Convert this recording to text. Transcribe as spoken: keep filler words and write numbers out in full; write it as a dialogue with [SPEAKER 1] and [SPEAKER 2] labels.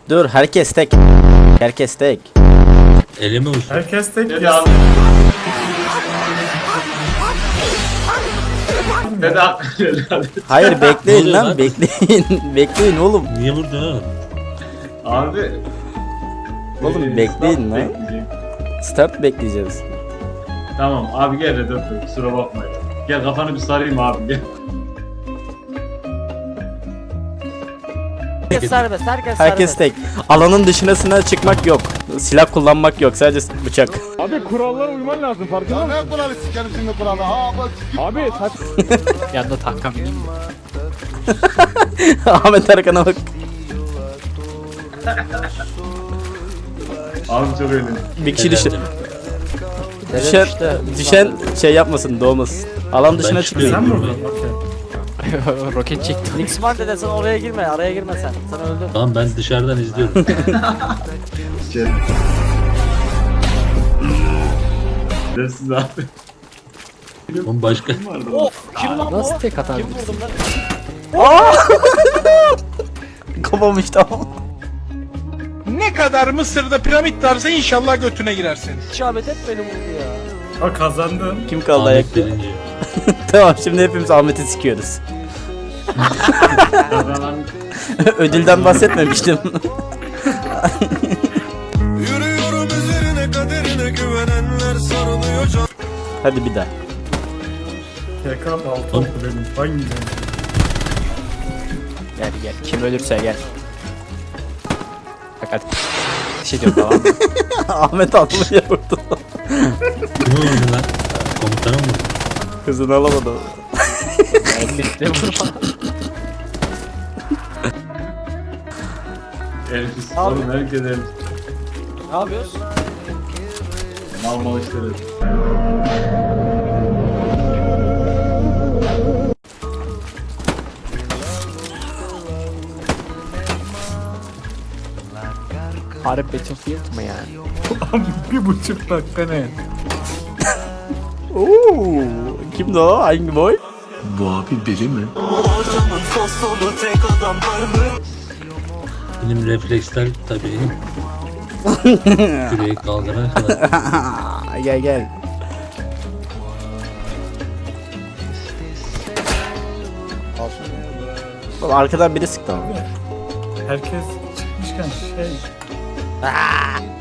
[SPEAKER 1] Dur herkes tek. Herkes tek.
[SPEAKER 2] Elime uçtu.
[SPEAKER 3] Herkes tek
[SPEAKER 4] Dede
[SPEAKER 3] ya.
[SPEAKER 4] abi. Dede abi. Dede abi.
[SPEAKER 1] Hayır bekleyin
[SPEAKER 2] oluyor
[SPEAKER 1] lan,
[SPEAKER 2] lan?
[SPEAKER 1] bekleyin. Bekleyin oğlum.
[SPEAKER 2] Niye vurdu ha?
[SPEAKER 4] Abi.
[SPEAKER 1] Oğlum
[SPEAKER 4] Ee,
[SPEAKER 1] bekleyin
[SPEAKER 4] stop
[SPEAKER 1] lan.
[SPEAKER 4] bekleyecek.
[SPEAKER 1] Start bekleyeceğiz.
[SPEAKER 4] Tamam abi gel Redot'u kusura bakmayın. Gel kafanı bir sarayım abi gel.
[SPEAKER 5] Herkes serbest, herkes
[SPEAKER 1] Herkes
[SPEAKER 5] serbest.
[SPEAKER 1] tek. Alanın dışına çıkmak yok. Silah kullanmak yok. Sadece bıçak.
[SPEAKER 6] Abi kurallara uyman lazım farkında mısın?
[SPEAKER 7] Ne kuralı sikerim şimdi kuralı? Ha bak sikim.
[SPEAKER 6] Abi saç...
[SPEAKER 5] Yanında tanka bineyim mi?
[SPEAKER 1] Ahmet Erkan'a bak.
[SPEAKER 4] Abi çok eğlenceli.
[SPEAKER 1] Bir kişi düştü.
[SPEAKER 5] Dede
[SPEAKER 1] Düşen,
[SPEAKER 5] düştü.
[SPEAKER 1] düşen şey yapmasın, doğmasın. Alan dışına
[SPEAKER 2] Ben
[SPEAKER 1] çıkıyor.
[SPEAKER 3] Sen mi
[SPEAKER 2] Bilmiyorum.
[SPEAKER 3] vurdun? Okey.
[SPEAKER 5] Roket çekti. Nixman dede sen oraya girme, araya girme sen. Sen öldün.
[SPEAKER 2] Tamam ben dışarıdan izliyorum.
[SPEAKER 4] Siz abi.
[SPEAKER 2] Oğlum başka.
[SPEAKER 5] Of! Kim lan
[SPEAKER 8] Nasıl
[SPEAKER 5] bu?
[SPEAKER 8] tek atar?
[SPEAKER 5] Kim vurdum lan?
[SPEAKER 1] Kafam işte tamam.
[SPEAKER 7] Ne kadar Mısır'da piramit varsa inşallah götüne girersin.
[SPEAKER 5] İşaret et beni vurdu ya.
[SPEAKER 3] O kazandın.
[SPEAKER 1] Kim kaldı
[SPEAKER 2] Ahmet
[SPEAKER 1] ayakta?
[SPEAKER 2] birinci.
[SPEAKER 1] Tamam şimdi hepimiz Ahmet'i sikiyoruz.
[SPEAKER 4] Kazanan
[SPEAKER 1] Ödülden bahsetmemiştim.
[SPEAKER 7] Yürüyorum üzerine kaderine güvenenler sarılıyor can.
[SPEAKER 1] Hadi bir daha.
[SPEAKER 3] T K altı oldu benim. Vay be.
[SPEAKER 8] Gel gel. Kim ölürse gel. Fakat bir şey diyor tamam mı?
[SPEAKER 1] Ahmet atlıya vurdu.
[SPEAKER 2] Kim vurdu lan? Komutana mı vurdu?
[SPEAKER 1] Kızını alamadı.
[SPEAKER 8] Elbette vurma.
[SPEAKER 4] Elfis.
[SPEAKER 5] Abi.
[SPEAKER 4] Oğlum herkes elfis.
[SPEAKER 5] Ne yapıyoruz?
[SPEAKER 4] Mal mal işleri.
[SPEAKER 8] Harbi Battlefield mı yani?
[SPEAKER 3] Bir buçuk dakika ne?
[SPEAKER 1] Oo, kimdi o? Hangi boy?
[SPEAKER 2] Benim refleksler tabii. Küreği kaldırana kadar.
[SPEAKER 1] Aa, gel gel. Oğlum arkadan biri sıktı ama.
[SPEAKER 3] Herkes çıkmışken şey.